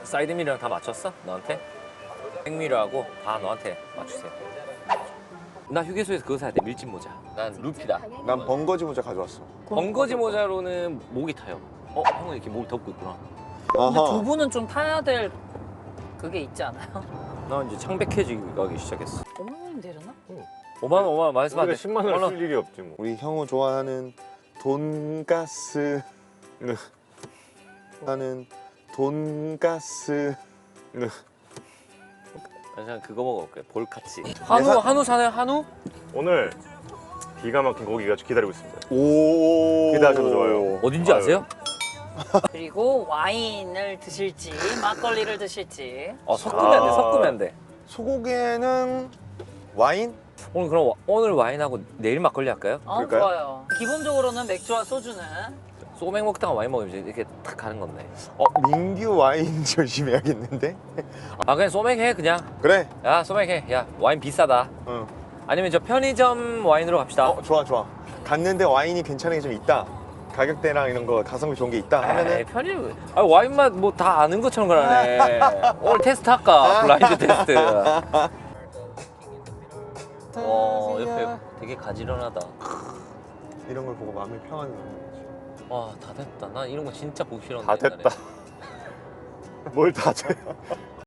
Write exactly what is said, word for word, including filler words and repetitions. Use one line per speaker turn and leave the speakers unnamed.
사이드미러랑 다 맞췄어? 너한테? 백미러하고 다 너한테 맞추세요. 나 휴게소에서 그거 사야 돼. 밀짚 모자. 난 루피다.
난 번거지 모자 가져왔어.
번거지 모자로는 목이 타요. 어? 형은 이렇게 목을 덮고 있구나.
근데 두
아하.
분은 좀 타야 될 그게 있지 않아요?
나 이제 창백해지기 시작했어.
어머님 내렸나?
오만 원, 오만 원 말씀 안 돼.
우리가 십만 원을 쓸 일이 없지 뭐.
우리 형우 좋아하는 돈가스. 나는 돈가스.
그냥 그거 먹어볼게. 볼카치. 한우, 한우 사나요? 한우?
오늘 기가 막힌 고기가 기다리고 있습니다.
오.
기대하셔도 좋아요.
어딘지
아유.
아세요?
그리고 와인을 드실지 막걸리를 드실지.
어, 섞으면 안 돼.
아.
섞으면 안 돼.
소고기에는 와인?
오늘 그럼 와- 오늘 와인하고 내일 막걸리 할까요?
어,
그럴까요?
좋아요. 기본적으로는 맥주와 소주는
소맥 먹다가 와인 먹으면 이제 이렇게 탁 가는 건데.
어, 민규 와인 조심해야겠는데?
아 그냥 소맥 해 그냥.
그래.
야 소맥 해. 야 와인 비싸다.
응.
아니면 저 편의점 와인으로 갑시다.
어, 좋아, 좋아. 갔는데 와인이 괜찮은 게 좀 있다. 가격대랑 이런 거 가성비 좋은 게 있다
에이,
하면은
편의점. 아 와인 맛 뭐 다 아는 것처럼 그러네. 오늘 테스트 할까? 블라인드 테스트. 어 옆에 되게 가지런하다.
이런 걸 보고 마음이 평안이 오는 거지.
와 다 됐다. 난 이런 거 진짜 보기 싫었는데.
다
옛날에.
됐다. 뭘 다 돼?